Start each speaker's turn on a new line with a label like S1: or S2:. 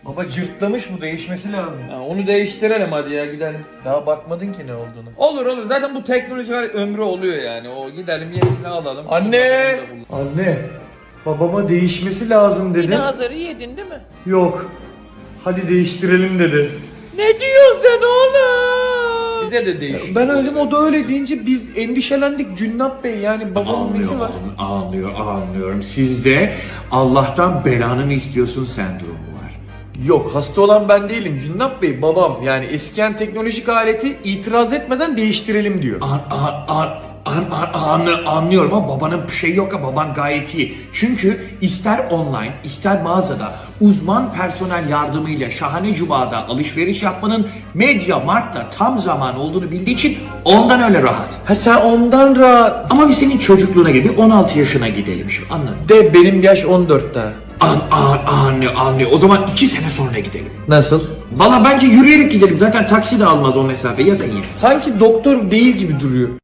S1: Baba cırtlamış, bu değişmesi lazım.
S2: Ha, onu değiştirelim hadi ya, gidelim.
S1: Daha bakmadın ki ne olduğunu.
S2: Olur zaten bu teknoloji ömrü oluyor yani. O gidelim yenisini alalım.
S1: Anne! Anne, babama değişmesi lazım dedi.
S3: Yine azarı yedin değil mi?
S1: Yok. Hadi değiştirelim dedi.
S3: Ne diyorsun sen oğlum?
S2: Bize de değişik.
S1: Ben öyle, o da öyle deyince biz endişelendik Cünnap Bey, yani babamın nesi var?
S4: Anlıyorum. Sizde Allah'tan belanı mı istiyorsun sendromu var.
S1: Yok, hasta olan ben değilim Cünnap Bey, babam. Yani eskiyen teknolojik aleti itiraz etmeden değiştirelim diyor.
S4: Anlıyorum ama babanın bir şey yok ya, baban gayet iyi. Çünkü ister online ister mağazada uzman personel yardımıyla şahane cumada alışveriş yapmanın MediaMarkt'ta tam zaman olduğunu bildiği için ondan öyle rahat.
S1: Ha, sen ondan rahat.
S4: Ama biz senin çocukluğuna gibi 16 yaşına gidelim şimdi, anladın?
S1: De benim yaş 14 daha.
S4: Anlıyor. O zaman 2 sene sonra gidelim.
S1: Nasıl?
S4: Valla bence yürüyerek gidelim. Zaten taksi de almaz o mesafe, ya da iyi.
S1: Sanki doktor değil gibi duruyor.